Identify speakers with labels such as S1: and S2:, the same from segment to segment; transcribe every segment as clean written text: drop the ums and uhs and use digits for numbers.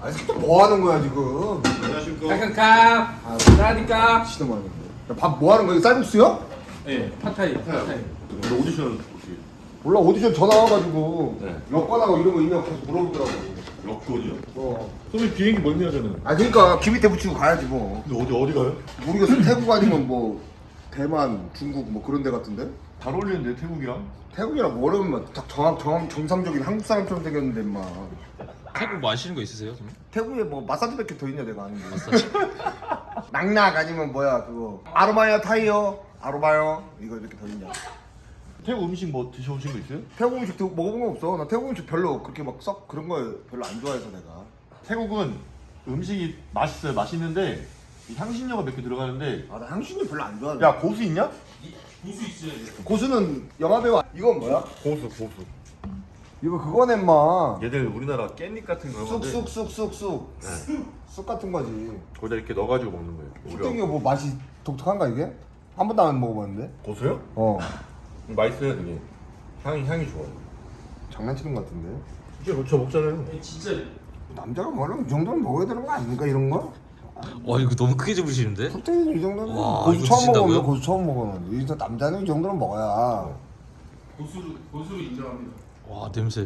S1: 아니 새끼 뭐 하는 거야 지금?
S2: 안녕하십니까.
S3: 카 사디카.
S1: 시도 많은 거. 밥뭐 하는 거야? 이거 쌀국수요?
S3: 예, 팟타이.
S2: 오늘 오디션 어떻게?
S1: 몰라 오디션 전화 와가지고
S2: 네.
S1: 여권하고 이런 거 있냐고 계속 물어보더라고.
S2: 여권이요?
S1: 어.
S2: 선생님 비행기 멀미하잖아요.
S1: 아 그러니까 귀 밑에 붙이고 가야지 뭐.
S2: 근데 어디 가요?
S1: 모르겠어. 태국 아니면 뭐 대만, 중국 뭐 그런 데 같은데?
S2: 잘 어울리는데 태국이랑?
S1: 태국이랑 뭐라면 딱 정상적인 한국 사람처럼 생겼는데 막
S4: 태국 뭐 아시는 거 있으세요? 선생님?
S1: 태국에 뭐 마사지밖에 더 있냐 내가 아는 게. 낙낙 아니면 뭐야 그거 아로마야 타이어 아로마요 이거 이렇게 더 있냐.
S2: 태국 음식 뭐 드셔보신 거 있어요?
S1: 태국 음식 먹어본 거 없어. 나 태국 음식 별로 그렇게 막 썩 그런 거 별로 안 좋아해서 내가.
S2: 태국은 음식이 맛있어요. 맛있는데 이 향신료가 몇 개 들어가는데.
S1: 아 나 향신료 별로 안 좋아해.
S2: 야 고수 있냐?
S4: 고수 있어요.
S1: 고수는 영화배우. 이건 뭐야?
S2: 고수.
S1: 이거 그거네 마.
S2: 얘들 우리나라 깻잎 같은 거 건데
S1: 쑥쑥쑥쑥쑥 쑥 같은 거지.
S2: 거기다 이렇게 넣어가지고 먹는 거예요.
S1: 쑥땡이가 뭐 맛이 독특한가 이게? 한 번도 안 먹어봤는데.
S2: 고수요?
S1: 어.
S2: 맛있어요 되게. 향이 좋아요.
S1: 장난치는 것 같은데.
S2: 진짜 그렇죠 먹잖아요.
S4: 진짜.
S1: 남자가 뭐라면 이 정도는 먹어야 되는 거 아닙니까 이런 거?
S4: 와 이거 너무 크게 집으시는데?
S1: 쑥땡이는 이 정도는
S4: 와,
S1: 고수
S4: 이거
S1: 처음
S4: 드신다고요?
S1: 먹으면 고수 처음 먹으면 이제 남자는 이 정도는 먹어야.
S3: 고수로 인정합니다.
S4: 와 냄새.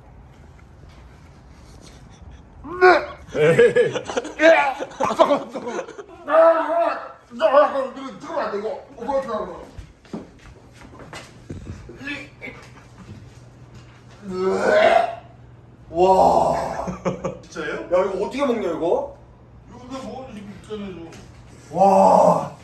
S1: 뜨거워 안 돼 이거. 와.
S2: 진짜예요?
S1: 야 이거 어떻게 먹냐 이거?
S2: 이거 그냥 먹어도 있잖아요.
S1: 와.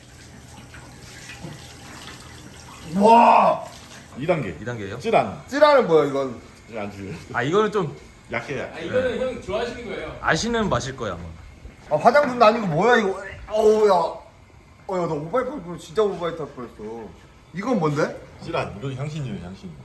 S1: 와.
S2: 2단계.
S4: 2단계예요?
S2: 쯔란.
S1: 찌라는 뭐야 이건?
S2: 안주.
S4: 아 이거는 좀
S2: 약해.
S3: 아 이거는 형 좋아하시는 거예요.
S4: 아시는 맛일 거야 아마.
S1: 아 화장품도 아니고 뭐야 이거? 어우 야. 어야 나 오바이트 할 뻔. 진짜 오바이트 할 뻔했어. 이건 뭔데?
S2: 쯔란. 이거 향신료예요 향신료.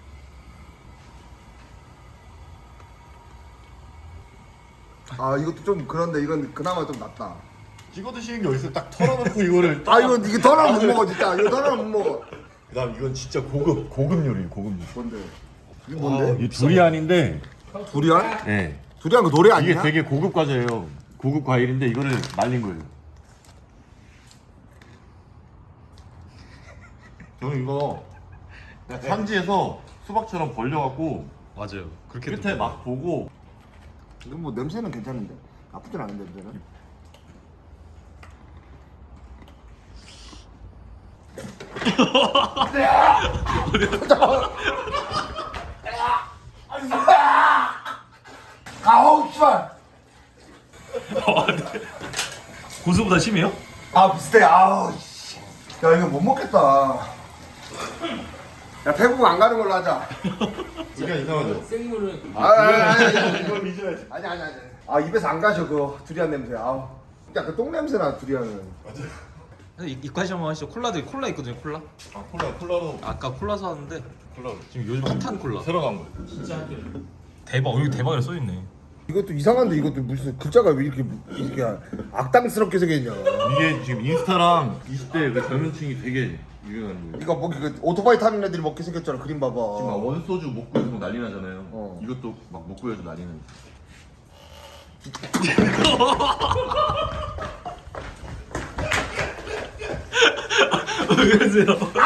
S1: 아 이것도 좀 그런데 이건 그나마 좀 낫다.
S2: 찍어 드시는 게 어딨어? 딱 털어놓고 이거를.
S1: 아 이거 이게 덜어는 못 먹어 진짜. 이거 덜어는 못 먹어.
S2: 그다음 이건 진짜 고급 요리예요 고급 요리.
S1: 뭔데? 이게 뭔데?
S2: 이 두리안인데.
S1: 두리안?
S2: 네.
S1: 두리안 그 노래 아니야?
S2: 이게 되게 고급 과자예요. 고급 과일인데 이거를 말린 거예요. 저는 이거 산지에서 수박처럼 벌려갖고
S4: 맞아요. 그렇게
S2: 끝에 막 보고.
S1: 이건 뭐 냄새는 괜찮은데 나쁘진 않은데 냄새는. 아우 씨발.
S4: 고수보다 심해요?
S1: 아 비슷해. 아우 씨. 야 이거 못 먹겠다. 야 태국 안 가는 걸로 하자.
S2: 그게 이상하죠?
S3: 생물은
S1: 아니.
S2: 이건 믿어야지.
S1: 아니. 아 입에서 안 가셔 그 두리안 냄새. 아우. 약간 똥 냄새나 두리안은.
S4: 이과시 한번 하시죠. 콜라 있거든요. 콜라.
S2: 아 콜라로
S4: 아까 콜라 사왔는데
S2: 콜라로.
S4: 지금 요즘 핫한 콜라.
S2: 새로 나온 거예요.
S4: 대박. 여기 대박이라 써 있네.
S1: 이것도 이상한데 이것도 무슨 글자가 왜 이렇게 악당스럽게 생겼냐.
S2: 이게 지금 인스타랑 20대 그 젊은층이 되게 유행하는 거예요.
S1: 이거 뭐 그 오토바이 타는 애들이 먹게 생겼잖아 그림 봐봐.
S2: 지금 막 원소주 못 구해서 막 난리 나잖아요.
S1: 어.
S2: 이것도 막 못 구해서 난리는.
S4: 왜 그러세요?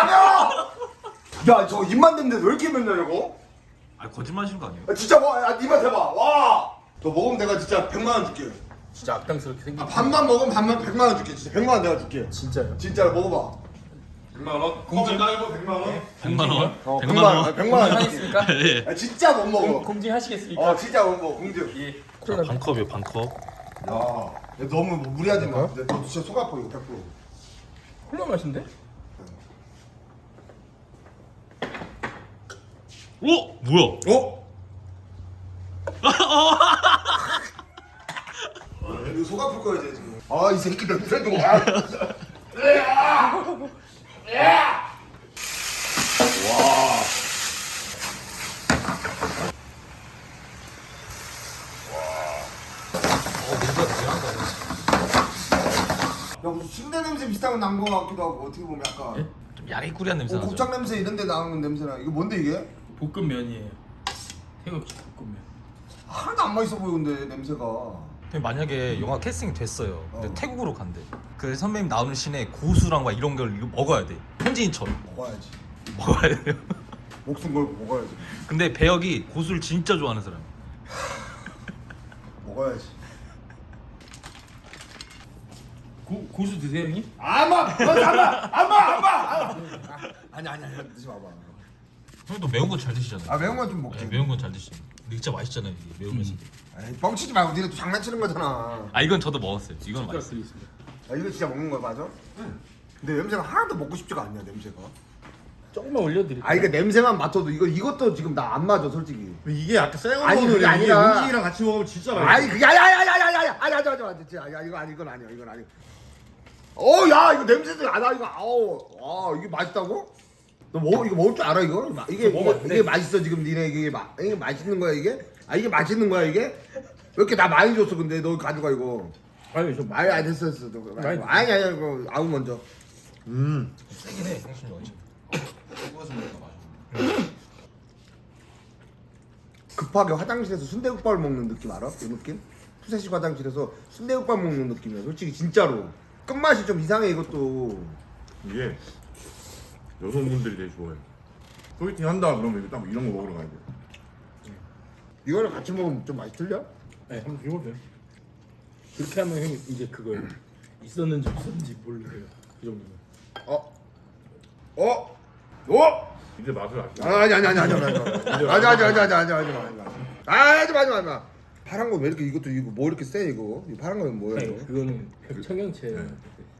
S1: 야 저 입만 댔는데 왜 이렇게 맨날 이거?
S4: 아 거짓말 하시는 거 아니에요?
S1: 야, 진짜 뭐? 야 니만 대봐. 와. 너 먹으면 내가 진짜 100만 원 줄게.
S3: 진짜 악당스럽게 생긴.
S1: 반만 먹으면 반만 100만 원 줄게. 진짜 100만 원 내가 줄게.
S3: 진짜요?
S1: 진짜로 먹어봐.
S2: 100만 원? 공지 나이거 100만 원?
S4: 100만 원?
S1: 어,
S4: 100만 원?
S1: 100만 원 줄게.
S3: 하겠습니까?
S4: 예.
S1: 야, 진짜 못 먹어.
S3: 공지하시겠습니까?
S1: 진짜 못 먹어. 공주.
S3: 예.
S4: 자,
S3: 콜라.
S4: 반컵이요 반컵.
S1: 야, 야, 너무 무리하지 마. 근데 너 진짜 속 아파 이거 100%.
S3: 콜라 맛인데?
S4: 오! 뭐야?
S1: 어? 이거 속 아플 거야 이제 지금. 이 새끼 냄새도. 야 무슨 침대 냄새 비슷한 거 난 거 같기도 하고 어떻게 보면 약간
S4: 좀 야리꾸리한 냄새 나죠?
S1: 곱창 냄새 이런 데 나는 냄새나. 이거 뭔데 이게?
S3: 볶음면이에요. 태국 볶음면.
S1: 하나도 하나도 안 맛있어 보이는데 냄새가.
S4: 근데 만약에 영화 캐스팅 됐어요. 근데
S1: 어.
S4: 태국으로 간대. 그 선배님 나오는 씬에 고수랑 막 이런 걸 먹어야 돼. 현지인처럼
S1: 먹어야지.
S4: 먹어야 돼요.
S1: 목숨 걸고 먹어야지.
S4: 근데 배역이 고수를 진짜 좋아하는 사람.
S1: 먹어야지.
S3: 고수 드세요 형님?
S1: 아마 안마. 아니 드지 마봐.
S4: 형도 매운 거 잘 드시잖아요.
S1: 아 매운 건 좀 먹지.
S4: 네, 매운 건 잘 드시죠. 근데 진짜 맛있잖아요 이게 매우면서.
S1: 에이, 뻥치지 말고 니네 또 장난치는 거잖아.
S4: 아 이건 저도 먹었어요. 이건
S3: 숟가락
S4: 맛있어요.
S3: 드리겠습니다.
S1: 아 이거 진짜 먹는 거야 맞아? 응. 근데 냄새가 하나도 먹고 싶지가 않냐 냄새가.
S3: 조금만 올려드릴게요.
S1: 아 이거 냄새만 맡아도 이것도 지금 나 안 맞아 솔직히.
S2: 이게 아까 생거
S1: 아니,
S2: 먹으면
S1: 그게
S2: 이게
S1: 아니라-
S2: 음식이랑 같이 먹으면 진짜 맛있어.
S1: 아니 그게 아니 진짜 이거 아니 이건 아니야 이건 아니. 야 이거 냄새도 나 이거 이게 맛있다고? 너 이거 먹을 줄 알아 이거? 이게 맛있어 지금 니네 이게 맛있는 거야 이게? 아 이게 맛있는 거야 이게? 왜 이렇게 나 많이 줬어 근데 너 가져가 이거.
S3: 아니 좀
S1: 아니 됐어
S3: 많이
S1: 아니 이거 아우 먼저.
S4: 세긴 해 형수님 완전.
S1: 급하게 화장실에서 순대국밥을 먹는 느낌 알아? 그 느낌? 푸세식 화장실에서 순대국밥 먹는 느낌이야 솔직히 진짜로. 끝맛이 좀 이상해 이것도.
S2: 이게 여성분들이 되게 좋아해. 소개팅 한다 그러면 이거 딱 이런 거 먹으러 가야 돼.
S1: 이거랑 같이 먹으면 좀 맛이 틀려?
S3: 네, 한번 해보세요. 그렇게 하면 형이 이제 그걸 있었는지 없었는지 모르세요. 그 정도면.
S2: 이제 맛을 알죠.
S1: 아니 하지 마. 파란 거 왜 이렇게 이것도 이거 뭐 이렇게 세 이거? 이 파란 거는 뭐야
S3: 네,
S1: 이거?
S3: 그거는 청경채.
S2: 네.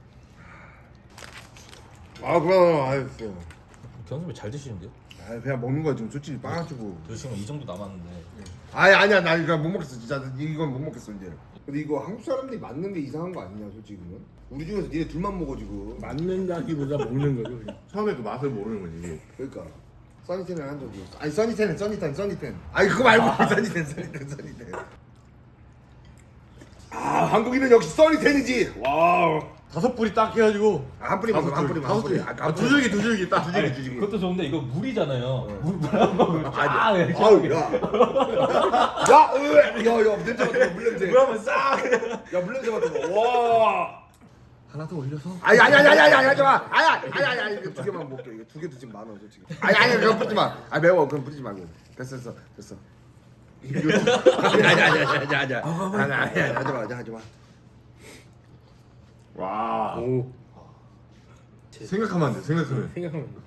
S1: 그럼 알겠어.
S4: 경선배 잘 드시는데요?
S1: 그냥 먹는 거야 지금 솔직히 빵가지고.
S4: 저 지금 이 정도 남았는데.
S1: 아니야 나 이거 못 먹겠어 진짜 이건 못 먹겠어 이제. 근데 이거 한국 사람들이 맞는 게 이상한 거 아니냐 솔직히는? 우리 중에서 니네 둘만 먹어 지금.
S3: 맞는다기보다 먹는 거죠. 그냥.
S2: 처음에 그 맛을 모르는 거지 이게.
S1: 그러니까 써니텐을 한 적이 없어. 아니 써니텐. 아니 그거 말고 써니텐. 아 한국인은 역시 써니텐이지. 와우.
S2: 5뿌리 딱 해가지고
S1: 한 뿌리만 한 뿌리만.
S2: 다섯 뿌리. 두 줄기 딱.
S1: 두 줄기.
S4: 그것도 좋은데 이거 물이잖아요. 물한 방울 쫙 이렇게.
S1: 아우 야 냄새 맡아 물 냄새.
S4: 물 한번 싹.
S1: 야 물 냄새 맡아. 와.
S2: 하나 더 올려서.
S1: 아니 하지 마. 아니 이거 두 개만 먹게. 이거 두 개도 지금 많아 솔직히. 아니 그거 뿌리지 마. 아 매워 그럼 뿌리지 말고. 됐어. 아니 하지 마.
S2: 와.
S3: 오.
S2: 생각하면 안 돼. 생각하면.
S3: 생각하면 안 돼.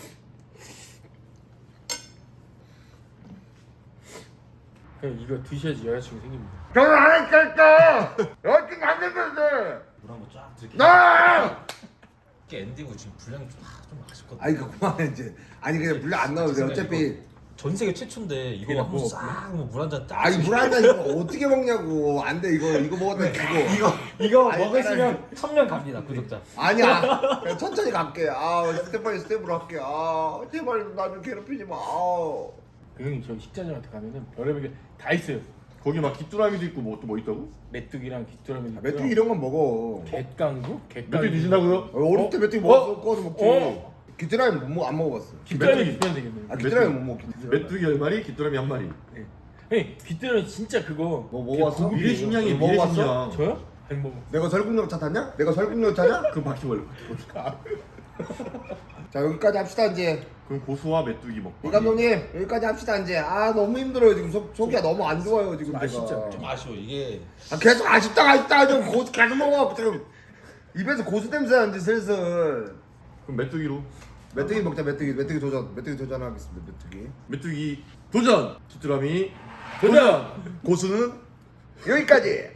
S3: 그냥 이거 드셔야지 여자친구 생깁니다.
S1: 결혼 안 했을까? 여친 안 됐는데.
S4: 물 한번 쫙 들게.
S1: 나.
S4: 이게 엔딩으로 지금 분량이 좀 아쉽거든.
S1: 아니 그 그만해 이제. 아니 그냥 물안 넣어도 돼 어차피.
S4: 전 세계 최초인데 이거
S3: 그냥
S4: 한번
S3: 뭐,
S4: 싹물 한 잔 딱.
S1: 아니 물 한 잔 이거 어떻게 먹냐고. 안 돼 이거 먹었다 죽어.
S3: 이거
S1: 아니,
S3: 먹으시면 1000명 갑니다 구독자.
S1: 아니야. 그냥 천천히 갈게. 스텝으로 할게. 제발 나 좀 괴롭히지 마.
S3: 그 형님 저 식자님한테 가면은 별의별 게 다 있어요.
S2: 거기 막 귀뚜라미도 있고 뭐 또 뭐 있다고?
S3: 메뚜기랑 귀뚜라미 있고요.
S1: 메뚜기 이런 건 먹어.
S3: 갯강구?
S2: 메뚜기 드신다고요?
S1: 어릴 때 메뚜기 먹었어. 구워서 먹지. 귀뚜라미 안 먹어봤어.
S3: 귀뚜라미
S2: 메뚜기.
S3: 드시면 되겠네요.
S1: 귀뚜라미 못 먹어.
S2: 메뚜기 한 마리, 귀뚜라미 한 마리.
S3: 네. 형님 귀뚜라미 진짜 그거
S1: 뭐 먹어봤어?
S2: 미래식량이
S1: 뭐 먹어봤어?
S2: 미래식량.
S3: 저요? 안 먹어.
S1: 내가 설국열차 탔냐? 내가 설국열차냐?
S2: 그 바퀴벌레.
S1: 자 여기까지 합시다 이제.
S2: 그럼 고수와 메뚜기 먹고.
S1: 이 감독님 여기까지 합시다 이제. 너무 힘들어요 지금 속이 너무 안 좋아요 지금 제가.
S3: 진짜
S4: 좀 아쉬워 이게.
S1: 계속 아쉽다 좀 고수 계속 먹어 지금 입에서 고수 냄새 나는데 슬슬.
S2: 그럼 메뚜기로.
S1: 메뚜기 먹자 메뚜기 도전하겠습니다 메뚜기.
S2: 메뚜기 도전. 귀뚜라미 도전.
S1: 고수는 여기까지.